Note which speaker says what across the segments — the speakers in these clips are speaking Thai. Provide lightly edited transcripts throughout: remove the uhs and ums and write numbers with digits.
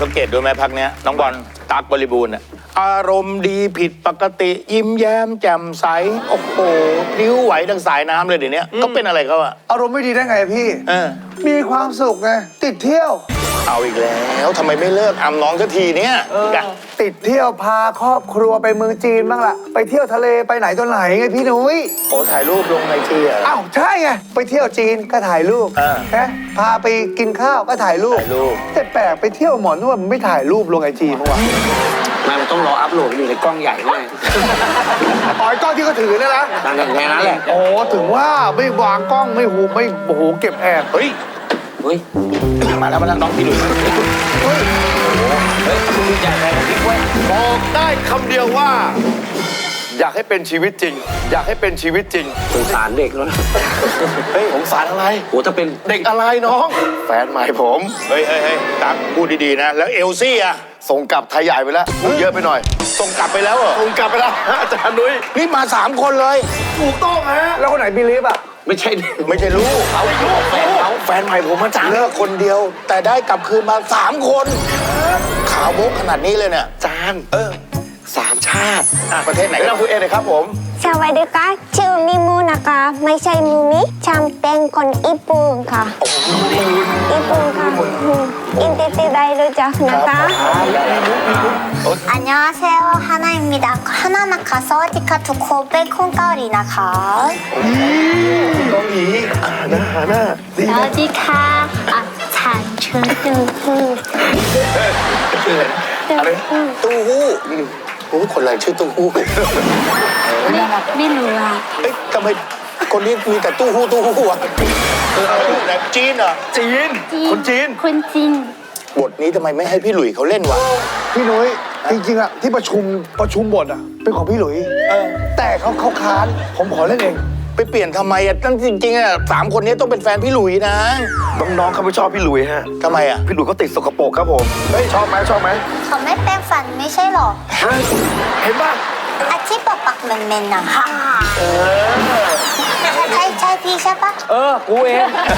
Speaker 1: สังเกตดูไหมพักเนี้ยน้องบอลตั๊กบริบูรณ์อะอารมณ์ดีผิดปกติยิ้มแย้มแจ่มใสโอ้โหพลิ้วไหวดังสายน้ำเลยเดี๋ยวนี้ก็เป็นอะไรเขาอะ
Speaker 2: อารมณ์ไม่ดีได้ไงพี่ มีความสุขไงติดเที่ยว
Speaker 1: เอาอีกแล้วทำไมไม่เลิกอำน้องสักทีเนี้ย
Speaker 2: ติดเที่ยวพาครอบครัวไปเมืองจีนบ้างล่ะไปเที่ยวทะเลไปไหนตัวไหนไงพี่นุ้ย
Speaker 1: โอ้ถ่ายรูปลงไอจีอะ
Speaker 2: อ้าวใช่ไงไปเที่ยวจีนก็ถ่ายรูปฮะพาไปกินข้าวก็ถ่ายรูปแต่แปลกไปเที่ยวหมอนวดมันไม่ถ่ายรูปลงไอจีเมื่อวาน
Speaker 3: มันต้องรออัพโหลดอยู่ในกล้องใหญ่ด้วย
Speaker 2: อ๋อกล้องที่เขาถือเนี่ยนะ
Speaker 3: นั่นแค่นั้นแหละ
Speaker 2: โอ้ถึงว่าไม่วางกล้องไม่หูไม่โอ้โหเก็บแอบ
Speaker 1: เฮ้ย
Speaker 3: เฮ้ย
Speaker 1: มาแล้วน้องพี่หลุย
Speaker 4: บอกได้คำเดียวว่า อยากให้เป็นชีวิตจริง อยากให้เป็นชีวิตจริง
Speaker 3: สงสารเด็กแล้วนะ
Speaker 4: เฮ้ยสงสารอะไร
Speaker 3: โอ้ถ้าเป็น
Speaker 4: เด็กอะไรน้อง แฟนใหม่ผม
Speaker 1: เฮ้ยตั๊กพูดดีๆนะแล้วเอลซี่อะ
Speaker 4: ส่งกลับไทยใหญ่ไปแล้วพูดเยอะไปหน่อย
Speaker 1: ส่งกลับไปแล้วเหรอ
Speaker 4: ส่งกลับไปแล้วอาจารย์นุ้ย
Speaker 1: นี่มา3 คนเลย
Speaker 4: ถูกต้องฮะ
Speaker 2: แล้วคนไหนบิลีฟอ่ะ
Speaker 3: ไม่ใช่
Speaker 1: ไม่ใช่ลูก
Speaker 4: เอาลูกแฟนเขาแฟนใหม่ผมอาจารย์
Speaker 1: เลิกคนเดียว แต่ได้กลับคืนมา3 คนขาวโบ๊กขนาดนี้เลยเนี่ย
Speaker 4: อาจารย์สามชาติ
Speaker 1: ประเทศไหน
Speaker 4: ไม่ต้องคุยเองเลยครับผม
Speaker 5: สวัสดีค่ะชื่อมิมูนะคะไม่ใช่มูมิฉันเป็นคนญี่ปุ่นค่ะญี่ปุ่นค่ะอินเตอร์ได้รู้จักนะคะ
Speaker 6: 안녕하세요 하나입니다. 하나나 가서디카 두코베 콩가오리나카.
Speaker 4: น้องหยีหน้าดี
Speaker 6: 어디카 아 잔춘뚜후
Speaker 1: อะไรตู้ฮู้โอ้คนอะไรชื่อตู้ฮู้
Speaker 6: ไม่รู้อ่ะ
Speaker 1: เอ้ยทำไมคนนี้มีแต่ตู้ฮู้อะแบบจีนเหรอ
Speaker 4: จีน คนจีน
Speaker 6: คนจีน
Speaker 1: บทนี้ทำไมไม่ให้พี่หลุยเขาเล่นวะ
Speaker 2: พี่นุ้ยจริงๆอะที่ประชุมบทอะเป็นของพี่หลุยแต่เขาค้านผมขอเล่นเอง
Speaker 1: ไปเปลี่ยนทำไมอ่ะตั้งจริงๆอ่ะ3 คนนี้ต้องเป็นแฟนพี่หลุยนะ
Speaker 4: น้องๆเขาไม่ชอบพี่หลุยฮะ
Speaker 1: ทำไมอ่ะ
Speaker 4: พี่หลุยเขาติดสกปรกครับผม เฮ้ยชอบไหม
Speaker 6: เขาไม่แปรงฟันไม่ใช่หรอ
Speaker 4: เห็นป่ะ
Speaker 6: อาชีพปกปักเมนๆนะใช่พี่ใช่ปะ
Speaker 3: กูเอง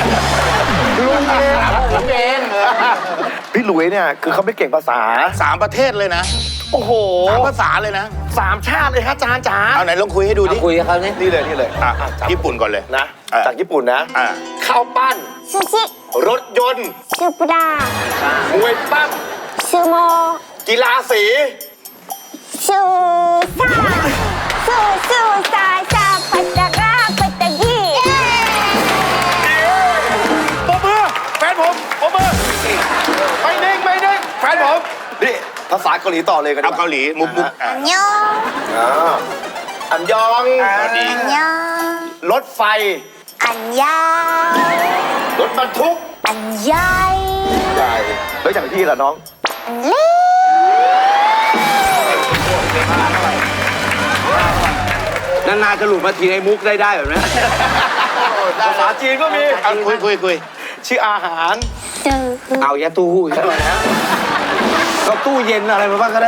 Speaker 4: พี่หลุยเนี่ยคือเขาไม่เก่งภาษา
Speaker 1: 3 ประเทศเลยนะ
Speaker 4: โอ้โห
Speaker 1: 3 ภาษาเลยนะ
Speaker 4: 3 ชาติเลยฮะอาจารย์จ๋า
Speaker 1: เอาไหนลองคุยให้ดูดิ
Speaker 3: คุยกับเขาเนี่ย
Speaker 4: นี่เลย
Speaker 1: ญี่ปุ่นก่อนเลย
Speaker 4: นะ
Speaker 1: อ่ะ
Speaker 4: จากญี่ปุ่นนะ
Speaker 1: อ่ะ
Speaker 4: ข้าวปั้น
Speaker 5: ซูชิ
Speaker 4: รถยนต์
Speaker 5: ซูปราม
Speaker 4: วยปั้ม
Speaker 5: ซูโม
Speaker 4: กีฬาสี
Speaker 5: ซูซาปัตตะราปัตตะยี
Speaker 4: ปมมือแฟนผมปมมือไม่นิ่งแฟนผมนี่ภาษาเกาหลีต่อเลยกันดี
Speaker 1: เอา
Speaker 4: กว่า
Speaker 1: เกาหลีมุกอ่ะ
Speaker 6: 안녕
Speaker 4: อันยอง
Speaker 6: 안녕
Speaker 4: รถไฟ
Speaker 6: 안녕
Speaker 4: รถบรรทุก
Speaker 6: 안녕
Speaker 4: ใช่แล้วอย่างพี่ล่ะน้อง
Speaker 3: นานๆจะหลุดมาทีในมุกได้แบบนี้
Speaker 4: ภาษาจีนก็มี
Speaker 1: เอาคุย
Speaker 4: ชื่ออาหาร
Speaker 3: เอาแย่ตู้หู้อีกแล้วนะก็ตู้เย็นอะไรมาบ้างก็ได้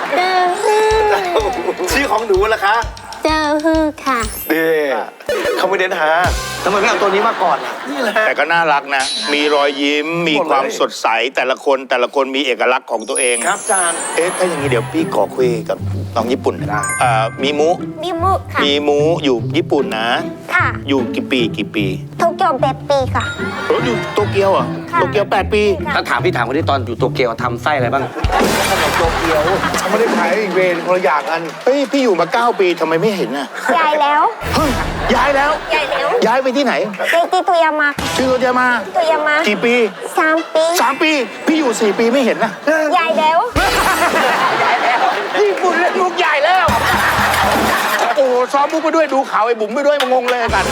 Speaker 4: ชื่อของหนูล่ะคะ
Speaker 6: เจอฮือค่ะ
Speaker 4: ดีเขาไม่เน้นหา
Speaker 3: ทำไมไม่เอาตัวนี้มาก่อนล่ะ
Speaker 4: นี่แหละ
Speaker 1: แต่ก็น่ารักนะ มีรอยยิ้ม มีความสดใส แต่ละคนมีเอกลักษณ์ของตัวเอง
Speaker 4: ครับอาจารย์
Speaker 1: เอ๊ะ ถ้าอย่างนี้เดี๋ยวพี่ขอคุยกับน้องญี่ปุ่นนะมีมุ
Speaker 5: มิมุค่ะ
Speaker 1: มีมุอยู่ญี่ปุ่นนะ
Speaker 5: ค่ะ
Speaker 1: อยู่กี่ปี
Speaker 5: โตเกียวเบปปีค่ะ
Speaker 1: อยู่โตเกียวเหรอ่ะ
Speaker 5: ค่ะ
Speaker 1: โตเกียว8 ปี
Speaker 3: ถ้าถามพี่ถามคนที่ตอนอยู่โตเกียวทำไส้อะไรบ้าง
Speaker 2: เขาไม่ได้ขายอีกเวรคนละอย่างกัน
Speaker 1: เฮ้ย พี่อยู่มา9 ปีทำไมไม่เห็นน่ะ
Speaker 5: ยายแล้ว
Speaker 1: เฮ้ย ย้ายแล้ว
Speaker 5: ยายแล้ว
Speaker 1: ย้ายไปที่ไหน
Speaker 5: เจติโตยามา
Speaker 1: ชื่อโตเกียวมา
Speaker 5: โตยามา
Speaker 1: กี่ปี
Speaker 5: 3 ปี
Speaker 1: 3 ปี พี่อยู่4 ปีไม่เห็นนะ
Speaker 5: ยายแล้ว
Speaker 1: ญี่ปุ่นเล่นมุกใหญ่แล้ว โอ้โหซ้อมมุกไปด้วยดูข่าวไอ้บุ๋มไปด้วยมางงเลยกัน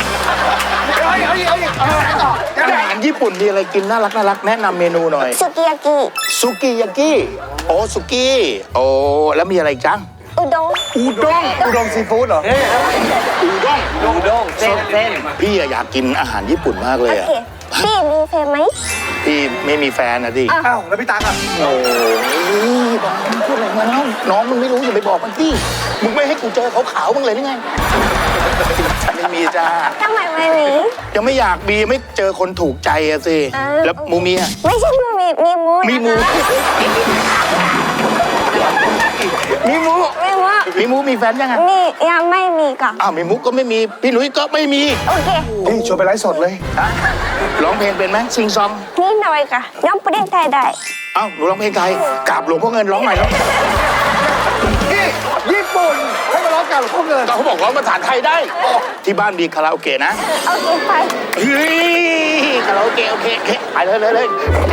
Speaker 1: อาหารญี่ปุ่นมีอะไรกินน่ารักแนะนำเมนูหน่อย
Speaker 5: สุกิยากิ
Speaker 1: ซุกิยากิโอ้ซุกี้โอ้แล้วมีอะไรอีกจัง
Speaker 5: อุด้ง
Speaker 1: อูด้ง
Speaker 2: อุดมซีฟู้ดเหรอ
Speaker 1: อูด้ง
Speaker 3: โด้งเส้น
Speaker 1: พี่อะอยากกินอาหารญี่ปุ่นมากเล
Speaker 5: โอย
Speaker 1: อะ
Speaker 5: เคพี่มีเพลงไหม
Speaker 1: พี่ไม่มีแฟนนะดิ
Speaker 2: อ้าวแล้วพี่ตั๊กอ่ะ
Speaker 1: โอ้ยบอกมึงพูดอะไรมาแล้วน้องมึงไม่รู้อย่าไปบอกมันสิมึงไม่ให้กูเจอขาวๆบ้างเลยนี่ไงไม่มีจ้า
Speaker 5: ทำไมไม่มี
Speaker 1: ยังไม่อยากมีไม่เจอคนถูกใจอะสิ แล้วมูมีอะ
Speaker 5: ไม่ใช่มูมีมีมู
Speaker 1: มีมู มีมู
Speaker 5: มีมู
Speaker 1: มีมูมีแฟนยังไง
Speaker 5: มียังไม่มีค่ะ
Speaker 1: อ้าวมีมุกก็ไม่มีพี่หลุยก็ไม่มี
Speaker 5: โอเค
Speaker 2: พี่ชวนไปไลฟ์สดเลย
Speaker 1: ร้องเพลงเป็นไหมซิงซอง
Speaker 5: นิดหน่อยค่ะน้องประเด็นไทยได้
Speaker 1: เอ้าหนูร้องเพลงไทยกราบหลวงพ่อเงินร้องใหม่ร้อง
Speaker 2: พี่ญี่ปุ่นให้มาร้องกันพวกเงิน
Speaker 1: ก็เขาบอกร้องภาษาไทยได้ ที่บ้านมีคาราโอเกะนะ
Speaker 5: โอเคไป
Speaker 1: เฮ้ยคาราโอเกะโอเคไปเลย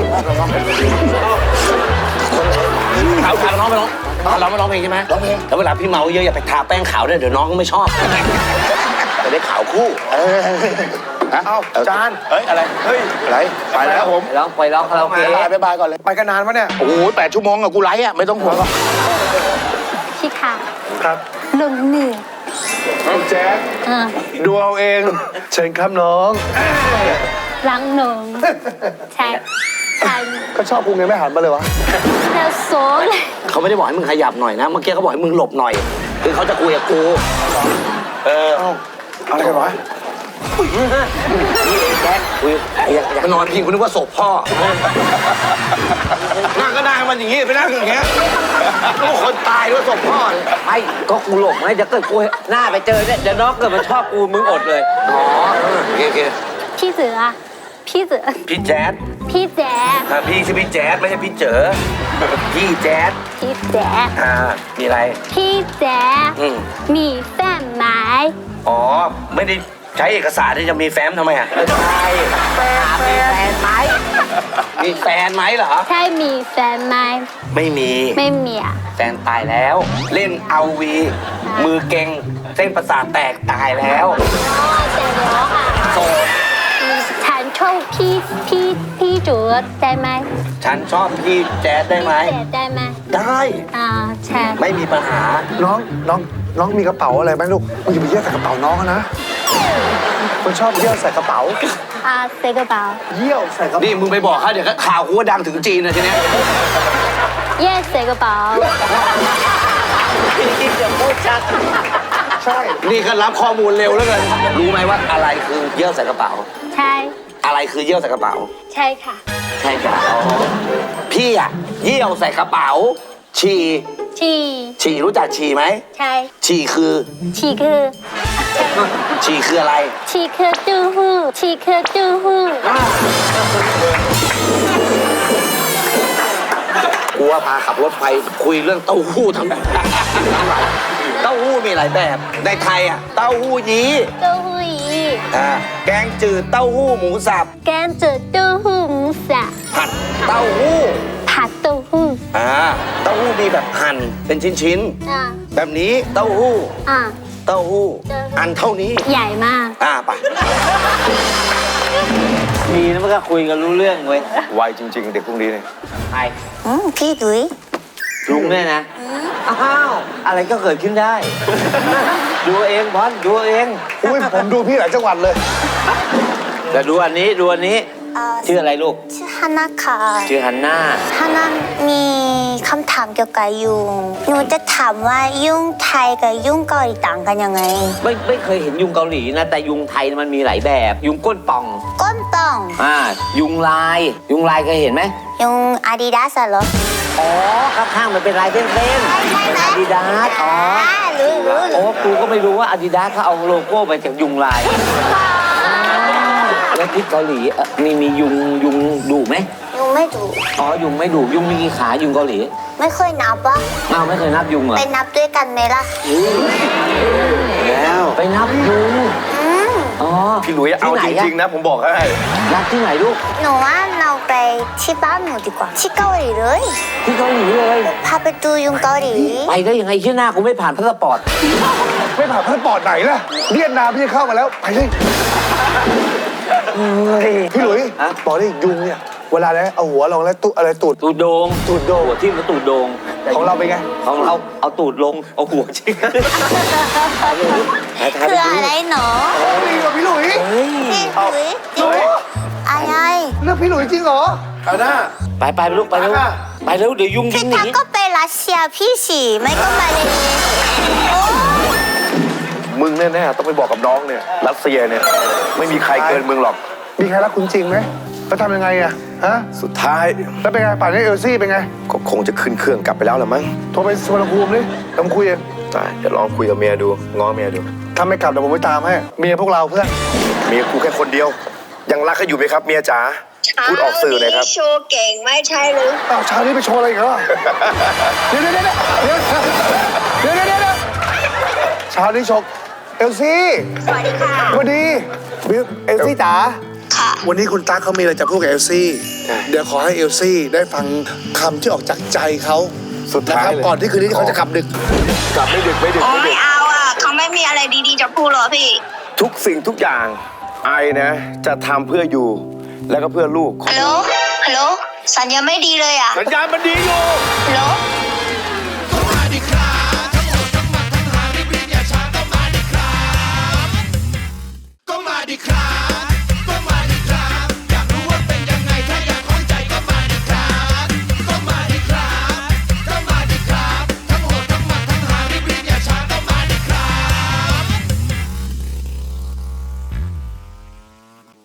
Speaker 1: เอาทางน้องไปร้อง
Speaker 3: เราไม่ร้องเพลงใช่ไหม
Speaker 1: ร้องเพลง
Speaker 3: แล้วเวลาพี่เมาเยอะอย่าไปทาแป้งขาวด้วยเดี๋ยวน้องก็ไม่ชอบ
Speaker 1: จะได้ข่าวคู่เอ้าจานเฮ้ยอะไรเฮ้ยอะไรไปแล้วผม
Speaker 3: ไปร้องคาราโอเกะ
Speaker 1: บ๊ายบายก่อนเลย
Speaker 2: ไปกันนานปะเนี่ย
Speaker 1: โอ้โห8 ชั่วโมงอะกูไลฟ์อะไม่ต้องห่วงหรอก
Speaker 6: พี่ค่ะ
Speaker 2: ครับ
Speaker 6: ลงเหนื่อย
Speaker 2: แจ๊คดูเอาเองเชิญครับน้อง
Speaker 6: รังหนงใช่ใช่
Speaker 2: ก็ชอบกูไงไม่หันมาเลยวะ
Speaker 6: แล้วโซเลย
Speaker 3: เขาไม่ได้บอกให้มึงขยับหน่อยนะเมื่อกี้เขาบอกให้มึงหลบหน่อยคือเขาจะคุยกับกู
Speaker 2: อะไรกันวะ
Speaker 3: แจ๊คคุยอยากนอนพิงคุณนึกว่าศพพ่อนั่งก็นั่งมันอย่างงี้ไปนั่งอย่างเงี้ยก็คนตายด้วยศพพ่อไอ้ก็กูหลบไงจะเกิดกูหน้าไปเจอเนี่ยเดี๋ยวน้องเกิดมันชอบกูมึงอดเลยอ๋อโอเค
Speaker 6: พี่เสือพี่เสือ
Speaker 3: พี่แจ๊ด
Speaker 6: พี่แจ๊ด
Speaker 3: พี่ชื่อพี่แจ๊ดไม่ใช่พี่เจ๋อพี่แจ๊ด
Speaker 6: พี่แจ๊ด
Speaker 3: มีอะไร
Speaker 6: พี่แจ๊ด มีแฟนไหม
Speaker 3: อ๋อไม่ได้ใช้เอกสารที่จะมีแฟ้มทำไมอ่ะใช่มีแฟนไหมมีแฟนไหมเหรอ
Speaker 6: ใช่มีแฟนไหม
Speaker 3: ไม่มี
Speaker 6: ไม่มีอ่ะ
Speaker 3: แฟนตายแล้ว เล่นเอาวีมือเก่งเส้นประสาทแตกตายแล้ว
Speaker 6: อ๋อแต่ร้องอ่ะ
Speaker 3: โสด
Speaker 6: ฉันชอบพี่จูดได้ไหม
Speaker 3: ฉันชอบพี่แจ๊ดได้ไหม
Speaker 6: พี่แจ๊ดได้ไหม
Speaker 3: ได้
Speaker 6: ใช่
Speaker 3: ไม่มีปัญหา
Speaker 2: น้องมีกระเป๋าอะไรไหมลูกมึงอย่าไปเยี่ยวใส่กระเป๋าน้องเขานะคนชอบเยี่ยวใส่กระเป๋า
Speaker 6: เซกระเป๋า
Speaker 2: เยี่ยวใส่กระเป๋า
Speaker 3: นี่มึงไปบอกเขาเดี๋ยวก็ข่าวกูว่าดังถึงจีนนะทีเนี้ย
Speaker 6: เย่เซกระเป๋า
Speaker 2: ใช่
Speaker 3: นี่ก็รับข้อมูลเร็วแล้วกันรู้ไหมว่าอะไรคือเยี่ยวใส่กระเป๋า
Speaker 6: ใช่
Speaker 3: อะไรคือเยี่ยวใส่กระเป๋า
Speaker 6: ใช่ค่ะ
Speaker 3: ใช่ครับพี่อะเยี่ยวใส่กระเป๋า ฉี่ ฉี่รู้จักฉี่ไหม
Speaker 6: ใช่
Speaker 3: ฉี่คือ
Speaker 6: ฉีคือ
Speaker 3: ฉี่คืออะไร
Speaker 6: ฉีคือตู้หู้ฉีคือตู้หู้
Speaker 3: กูว่าพาขับรถไฟคุยเรื่องเต้าหู้ทั้งแบบเต้าหู้มีหลายแบบ ในไทยอะเต้าหู้ยี้
Speaker 6: ตู้หู้อี
Speaker 3: แกงจืดเต้าหู้หมูสับ
Speaker 6: แกงจืดตู้หู้หมูสับ
Speaker 3: ผัดเต้าหู้
Speaker 6: ผัดตู้หู้
Speaker 3: เต้าหู้มีแบบหั่นเป็นชิ้น
Speaker 6: อ่า
Speaker 3: ๆแบบนี้เต้าหู้
Speaker 6: อ่า
Speaker 3: เต้าหู้อันเท่านี้
Speaker 6: ใหญ่มาก
Speaker 3: ไป
Speaker 7: ดีนะมันก็คุยกันรู้เรื่องเว้ย
Speaker 4: ไวจริงๆ เด็กพวกนี้เนี่ย
Speaker 7: ไอ้
Speaker 6: พี่ดุย
Speaker 7: ลุงเนี่ยนะ อ้าว อะไรก็เกิดขึ้นได้ ดูเองบอลดูเอง
Speaker 2: อุ้ยผมดูพี่หลายจังหวัดเลย
Speaker 7: แต่ดูอันนี้ดูอันนี้ ชื่ออะไรลูก
Speaker 6: ชื่อฮานาค่ะ
Speaker 7: ชื่อฮันน่า
Speaker 6: ฮานามีคำถามเกี่ยวกับยุงหนูจะถามว่ายุงไทยกับยุงเกาหลีต่างกันยังไง
Speaker 7: ไม่เคยเห็นยุงเกาหลีนะ แต่ยุงไทยมันมีหลายแบบ ยุงก้นป่อง
Speaker 6: ก้นป่อง
Speaker 7: ยุงลาย ยุงลายเคยเห็นไหม
Speaker 6: ยุงอาดิดาสเหรอ
Speaker 7: อ๋อ ข้างๆมันเป็นลายเส้นๆเป็นอาดิดาสอ๋อ
Speaker 6: รู้
Speaker 7: โอ้กูก็ไม่รู้ว่าอาดิดาสเขาเอาโลโก้ไปจากยุงลาย แล้วที่เกาหลีมียุงดุไหม
Speaker 6: ยุงไม่ดุ
Speaker 7: อ๋อ ยุงไม่ดุยุงมีกี่ขายุงเกาหลี
Speaker 6: ไม่เคยนับปะ
Speaker 7: อ้าวไม่เคยนับยุงเหรอ
Speaker 6: ไปนับด้วยกันไหมล่ะ
Speaker 3: แล้ว
Speaker 7: ไปนับยุง อ๋อ
Speaker 4: พี่หลุยเอาจริงๆนะ ผมบอกให้
Speaker 7: นับที่ไหนลูก
Speaker 6: หนูว่าเราไปที่บ้านหนูดีกว่า ที่เกาหลีเลย
Speaker 7: ที่เกาหลีเลย
Speaker 6: พาไปดูยุงเกาหลี
Speaker 7: ไปได้ยังไงชื่อหน้ากูไม่ผ่านพาสปอร์ต
Speaker 2: ไม่ผ่านพาสปอร์ตไหนล่ะเวียดนามพี่เข้ามาแล้ว ไปเลยพี่หลุยบอกได้ยุงเนี่ย เวลาแล้วเอาหัวลงแล้วตุอะไรตูด
Speaker 7: ตูดโดง
Speaker 2: ตูดโดง
Speaker 7: หัวทิ่มแล้วตูดโดง
Speaker 2: ของเราเป็นไง
Speaker 7: ของเราเอาตูดลง เอาหัวชิง
Speaker 6: คืออะไรหนอ
Speaker 2: ดีกว่าพี่หลุย
Speaker 6: พี่หลุยอะไร
Speaker 2: หลือกพี่หลุยจริงเหรอ
Speaker 4: เอาหน้า
Speaker 7: ไปลูกไปเร็วไปเร็วเดี๋ยวยุงยิ
Speaker 6: พี่
Speaker 7: งหนี
Speaker 6: ทักก็ไปรัสเซียพี่ฉีไม่ก็มาเลยโอ้
Speaker 4: มึงแน่ๆต้องไปบอกกับน้องเนี่ยรัสเซียเนี่ยไม่มีใครเกินมึงหรอก
Speaker 2: มีใครรักคุณจริงไหมแล้วทำยังไงอะฮะ
Speaker 4: สุดท้าย
Speaker 2: แล้วเป็นไงป่านนี้เอลซี่เป็นไง
Speaker 4: ก็คงจะขึ้นเครื่องกลับไปแล้วละมั้ง
Speaker 2: โทรไปสุวรรณภูมิดิลองคุยเอง
Speaker 4: ได้เดี๋ยวลองคุยกับเมียดูง้อเมียดู
Speaker 2: ถ้าไม่กลับเดี๋ยวผมไปตามให้เมียพวกเราเพื่อน
Speaker 4: เมียกูแค่คนเดียว ยังรักเขาอยู่ไหมครับเมียจ๋าพูดออกสื่อหน่อยครับ
Speaker 5: โชว์เก่งไม่ใช่หรือ
Speaker 2: อ้าวเช้านี้ไปโชว์อะไรอีกเหรอเดี๋ยวเช้านี้โชว์เอลซี่
Speaker 5: สวัสดีค่ะ
Speaker 2: สวัสดีบิวเอลซี่จ๋า
Speaker 5: ค่ะ
Speaker 2: วันนี้คุณตั๊กเขามีอะไรจะพูดกับเอลซี่ เดี๋ยวขอให้เอลซี่ได้ฟังคำที่ออกจากใจเขา
Speaker 4: สุดท้าย
Speaker 2: นะครับ
Speaker 4: เลย
Speaker 2: ก่อนที่คืนนี้เขาจะกลับดึก
Speaker 4: กลับไม่ดึกไม่ดึก
Speaker 5: โอ้
Speaker 4: ไม่ดึ
Speaker 5: ไม่
Speaker 4: ก
Speaker 5: เอาอ่ะเขาไม่มีอะไรดีๆจะพูดหรอพี่
Speaker 4: ทุกสิ่งทุกอย่างไอนะจะทำเพื่ออยู่ แล้วก็เพื่อลูก
Speaker 5: ฮัลโหล ฮัลโหล สัญญาณไม่ดีเลยอ่ะ
Speaker 4: สัญญาณมันดีอยู่
Speaker 5: ฮัลโหล